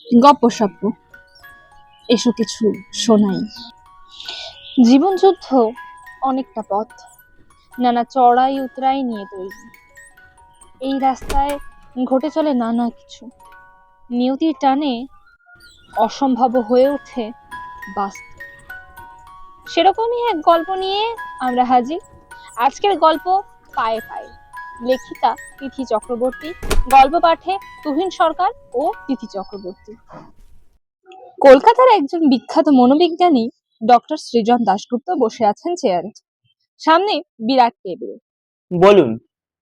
গপ্পসপ্প এসব কিছু শোনাই। জীবন যুদ্ধ অনেকটা পথ, নানা চড়াই উতরাই নিয়ে তৈরি। এই রাস্তায় ঘটে চলে নানা কিছু, নিয়তির টানে অসম্ভব হয়ে ওঠে বাস্তব। সেরকমই এক গল্প নিয়ে আমরা হাজির। আজকের গল্প পায়ে পায়ে, লেখিকা তিথি চক্রবর্তী, গল্প পাঠে তুহিন সরকার ও তিথি চক্রবর্তী। কলকাতার একজন বিখ্যাত মনোবিজ্ঞানী ডক্টর সৃজন দাশগুপ্ত বসে আছেন চেয়ারে, সামনে বিরাট টেবিল। বলুন।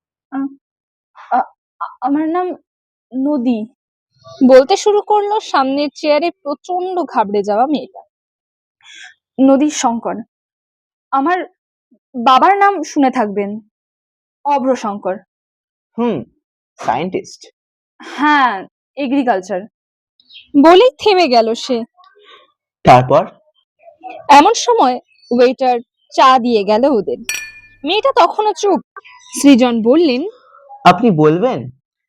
আমার নাম নদী, বলতে শুরু করলো সামনের চেয়ারে প্রচন্ড ঘাবড়ে যাওয়া মেয়েটা। নদী শঙ্কর। আমার বাবার নাম শুনে থাকবেন, অভ্র শঙ্কর। সায়েন্টিস্ট। হ্যাঁ, এগ্রিকালচার। বলেই থেমে গেল সে। তারপর এমন সময় ওয়েটার চা দিয়ে গেল ওদের। মেয়েটা তখনও চুপ। সৃজন বললেন, আপনি বলবেন?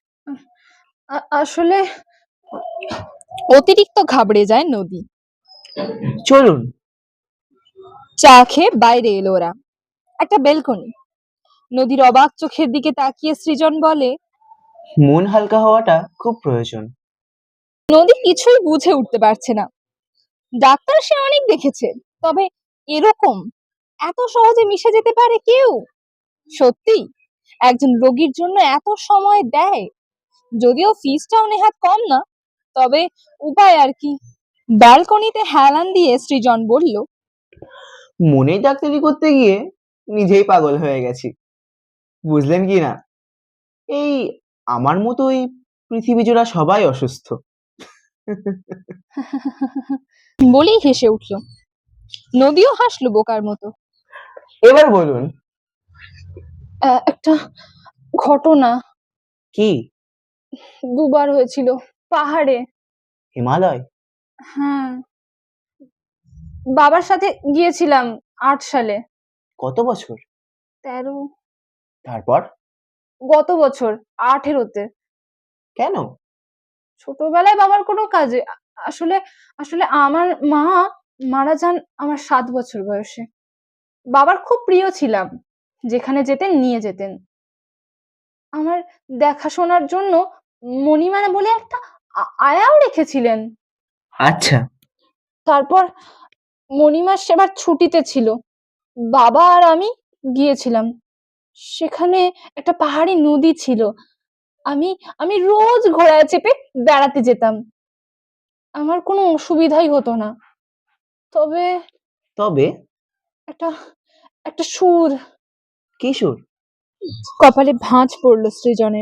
আসলে অতিরিক্ত ঘাবড়ে যায় নদী। চলুন। চা খেয়ে বাইরে এলো ওরা। একটা বেলকনি। নদীর অবাক চোখের দিকে তাকিয়ে সৃজন বলে, মন হালকা হওয়াটা খুব প্রয়োজন। নদী কিছুই বুঝে উঠতে পারছে না। ডাক্তার সে অনেক দেখেছে, তবে এরকম এত সহজে মিশে যেতে পারে কেউ? সত্যি একজন রোগীর জন্য এত সময় দেয়? যদিও ফিসটাও নেহাত কম না, তবে উপায় আর কি। ব্যালকনিতে হেলান দিয়ে সৃজন বলল, মনে ডাক্তারি করতে গিয়ে নিজেই পাগল হয়ে গেছি, বুঝলেন কি না? এই আমার মতোই পৃথিবী জোড়া সবাই অসুস্থ। বলেই হেসে উঠল। নদীও হাসলো বোকার মতো। এবার বলুন। একটা ঘটনা। কি? দুবার হয়েছিল পাহাড়ে। হিমালয়? হ্যাঁ, বাবার সাথে গিয়েছিলাম 8 সালে। কত বছর? 13। তারপর? গত বছর 18-তে। কেন? ছোটবেলায় বাবার কোনো কাজে। আসলে আসলে আমার মা মারা যান আমার 7 বছর বয়সে। বাবার খুব প্রিয় ছিলাম, যেখানে যেতেন নিয়ে যেতেন। আমার দেখাশোনার জন্য মণিমা বলে একটা আয়াও রেখেছিলেন। আচ্ছা। তারপর মণিমা সেবার ছুটিতে ছিল, বাবা আর আমি গিয়েছিলাম। সেখানে একটা পাহাড়ি নদী ছিল। আমি আমি রোজ ঘোড়ায় চেপে বেড়াতে যেতাম। আমার কোনো অসুবিধাই হতো না। তবে তবে একটা একটা সুর। কি সুর? কপালে ভাঁজ পড়লো সৃজনের।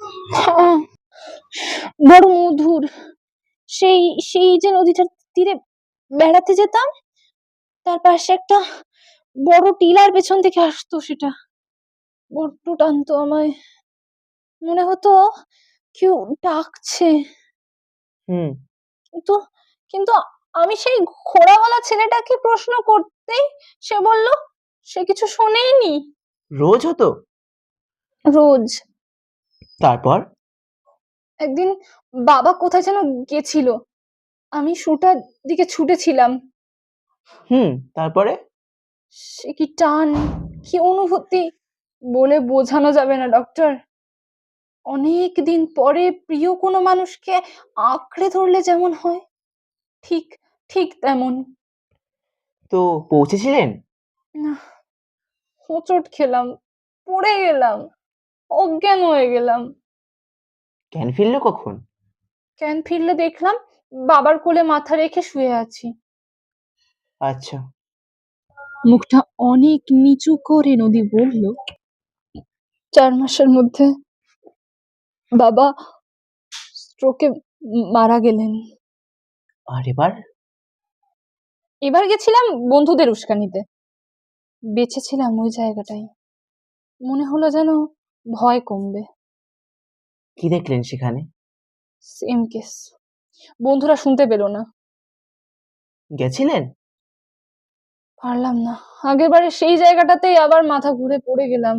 বড় মধুর। সেই সেই যে নদীটার তীরে বেড়াতে যেতাম, তার পাশে একটা বড় টিলার পেছন থেকে আসতো সেটা। বড্ড টানতো আমায়। মনে হতো কেউ ডাকছে। হুম। কিন্তু কিন্তু আমি সেই ঘোড়াওয়ালা ছেলেটাকে প্রশ্ন করতেই সে বলল সে কিছু শোনেনি। রোজ হতো? রোজ। তারপর? একদিন বাবা কোথায় যেন গেছিল, আমি সুটার দিকে ছুটেছিলাম। তারপরে? সে কি টান, কি অনুভূতি, বলে বোঝানো যাবে না ডক্টর। অনেক দিন পরে প্রিয় কোনো মানুষকে আঁকড়ে ধরলে যেমন হয়, ঠিক ঠিক তেমন। তো পৌঁছেছিলেন? না, হোঁচট খেলাম, পড়ে গেলাম, অজ্ঞান হয়ে গেলাম। জ্ঞান ফিরল কখন? জ্ঞান ফিরলে দেখলাম বাবার কোলে মাথা রেখে শুয়ে আছি। আচ্ছা। মুখটা অনেক নিচু করে নদী বলল, 4 মাসের মধ্যে বাবা স্ট্রোকে মারা গেলেন। আর এবার? এবার গেছিলাম বন্ধুদের উস্কানিতে। বেঁচেছিলাম ওই জায়গাটাই। মনে হলো যেন ভয় কমবে। কি দেখলেন সেখানে? Same case. বন্ধুরা শুনতে পেল না। গেছিলেন? পারলাম না। আগেরবারে সেই জায়গাটাতেই আবার মাথা ঘুরে পড়ে গেলাম।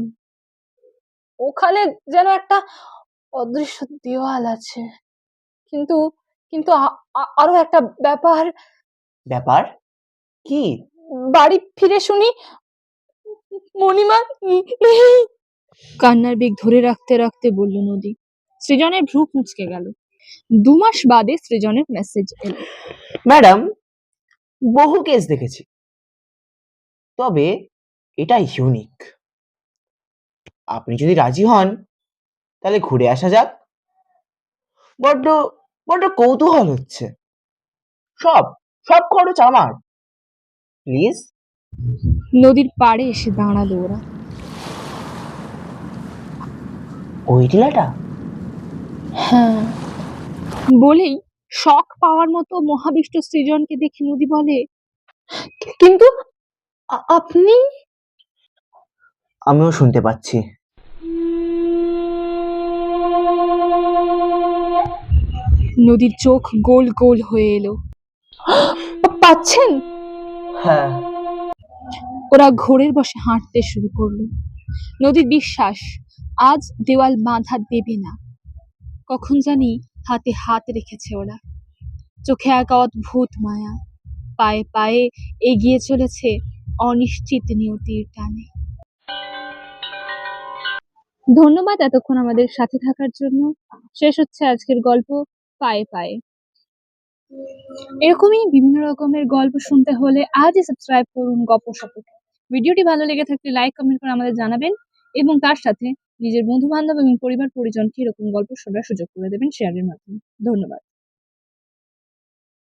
ওখানে যেন একটা অদৃশ্য দেওয়াল আছে, কিন্তু কিন্তু আরো একটা ব্যাপার, ব্যাপার কি? বাড়ি ফিরে শুনি মণিমা নেই। কান্নার বেগ ধরে রাখতে রাখতে বলল নদী। সৃজনের ভ্রু কুঁচকে গেল। 2 মাস বাদে সৃজনের মেসেজ এলো। ম্যাডাম, বহু কেস দেখেছি, তবে এটা ইউনিক। আপনি যদি রাজি হন তাহলে ঘুরে আসা যাক। বড্ড বড্ড কৌতূহল হচ্ছে। সব সব খরচ আমার, প্লিজ। নদীর পাড়ে এসে দাঁড়ালো ওরা। ওই টিলাটা? হ্যাঁ, বলেই শক পাওয়ার মতো মহাবিষ্ট সৃজনকে দেখে নদী বলে, কিন্তু আপনি? আমিও শুনতে পাচ্ছি। নদীর চোখ গোল গোল হয়ে এলো। পাচ্ছেন? হ্যাঁ। ওরা ঘোরের বসে হাঁটতে শুরু করলো। নদীর বিশ্বাস আজ দেওয়াল বাঁধা দেবে না। কখন জানি হাতে হাত রেখেছে ওরা। চোখে এক অদ্ভুত মায়া। পায়ে পায়ে এগিয়ে চলেছে অনিশ্চিত নিয়তির টানে। ধন্যবাদ এতক্ষণ আমাদের সাথে থাকার জন্য। শেষ হচ্ছে আজকের গল্প পায়ে পায়ে। এরকমই বিভিন্ন রকমের গল্প শুনতে হলে আজই সাবস্ক্রাইব করুন গল্পসপকে। ভিডিওটি ভালো লেগে থাকলে লাইক কমেন্ট করে আমাদের জানাবেন এবং তার সাথে নিজের বন্ধু বান্ধব এবং পরিবার পরিজনকে এরকম গল্প শোনার সুযোগ করে দেবেন শেয়ারের মাধ্যমে। ধন্যবাদ।